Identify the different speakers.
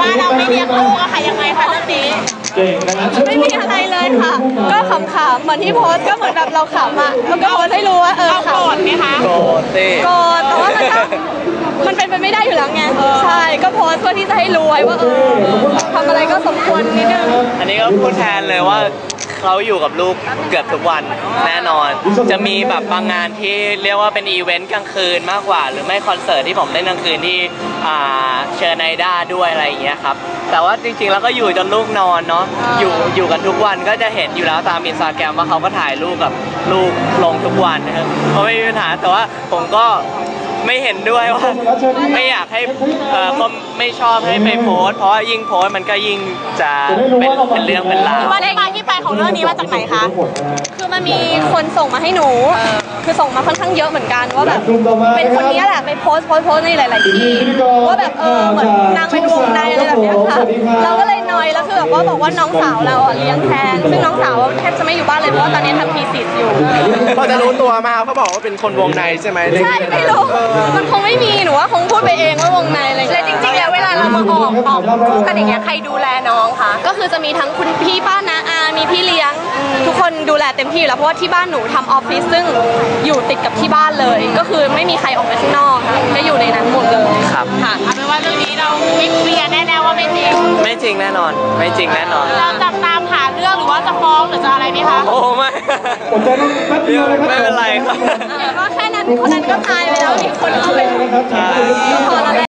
Speaker 1: ว่าเราไม่เลี้ยงลูกอะค่ะยังไงคะเรื่องนี้
Speaker 2: ไม่มีอะไรเลยค่ะก็ขำๆเหมือนที่โพสก็เหมือนแบบเราขำอ่ะแล้วก็โพสให้รู้ว่า
Speaker 1: เราโกรธไหมคะ
Speaker 3: โกรธสิ
Speaker 2: โกรธแต่ว่ามันเป็นไปไม่ได้อยู่แล้วไงใช่ก็โพสเพื่อที่จะให้รู้ไว้ว่าทำอะไรก็สมควรนิดนึง
Speaker 3: อันนี้ก็พูดแทนเลยว่าเขาอยู่กับลูกเกือบทุกวันแน่นอนจะมีแบบบางงานที่เรียกว่าเป็นอีเวนต์กลางคืนมากกว่าหรือไม่คอนเสิร์ตที่ผมเล่นกลางคืนที่เชิญไนด้าด้วยอะไรอย่างเงี้ยครับแต่ว่าจริงๆแล้วก็อยู่จนลูกนอนเนาะอยู่กันทุกวันก็จะเห็นอยู่แล้วตามอินสตาแกรมว่าเขาก็ถ่ายรูปกับลูกลงทุกวันนะครับก็ไม่มีปัญหาแต่ว่าผมก็ไม่เห็นด้วยว่าไม่อยากให้ก็ไม่ชอบให้ไปโพสเพราะยิ่งโพสมันก็ยิ่งจะเป็นเรื่องเป็นราว
Speaker 1: ว่าที่มาที่ไปของเรื่องนี้มาจากไหนคะ
Speaker 2: คือมันมีคนส่งมาให้หนูคือส่งมาค่อนข้างเยอะเหมือนกันว่าแบบเป็นคนนี้แหละไปโพสในหลายๆที่ว่าแบบเหมือนนางเป็นวงในอะไรแบบนี้ค่ะเราก็เลยนอยแล้วคือแบบว่าบอกว่าน้องสาวเราเลี้ยงแทนซึ่งน้องสาวแทบจะไม่อยู่บ้านเลยเพราะว่าตอนนี้ทำทีสิทธิ์อยู่
Speaker 3: พอจะรู้ตัวมาเขาบอกว่าเป็นคนวงในใช่ไหม
Speaker 2: ใช่ไม่รู้มันคงไม่มีหนูว่าคงพูดไปเองว่าวงในอะไร
Speaker 1: แล้วจริงๆแล้วเวลาเรามาออกคู่กันอย่างเงี้ยใครดูแลน้องคะ
Speaker 2: ก็คือจะมีทั้งคุณพี่ป้าน้าอามีพี่เลี้ยงทุกคนดูแลเต็มที่อยู่แล้วเพราะว่าที่บ้านหนูทำออฟฟิศซึ่งอยู่ติดกับที่บ้านเลยก็คือไม่มีใครออกไปข้างนอกค่ะก็อยู่ในนั้นหมดเลย
Speaker 3: ครับ
Speaker 1: ค่ะเอาเป็นว่าเรื่องนี้เราไม่เคลียร์แน่ๆว่าไม่จริง
Speaker 3: ไม่จริงแน่นอนไม่จริงแน่นอน
Speaker 1: เราจะตามหาเรื่องหรือว่าจะฟ้องหรือจะอะไรไหมคะ
Speaker 3: โอ้ไม่ไม่เป็นไรครับ
Speaker 2: ก็แค่นั้นคนนั้นก็ตายไปแล้วอีกคนเอาไปพอแล้ว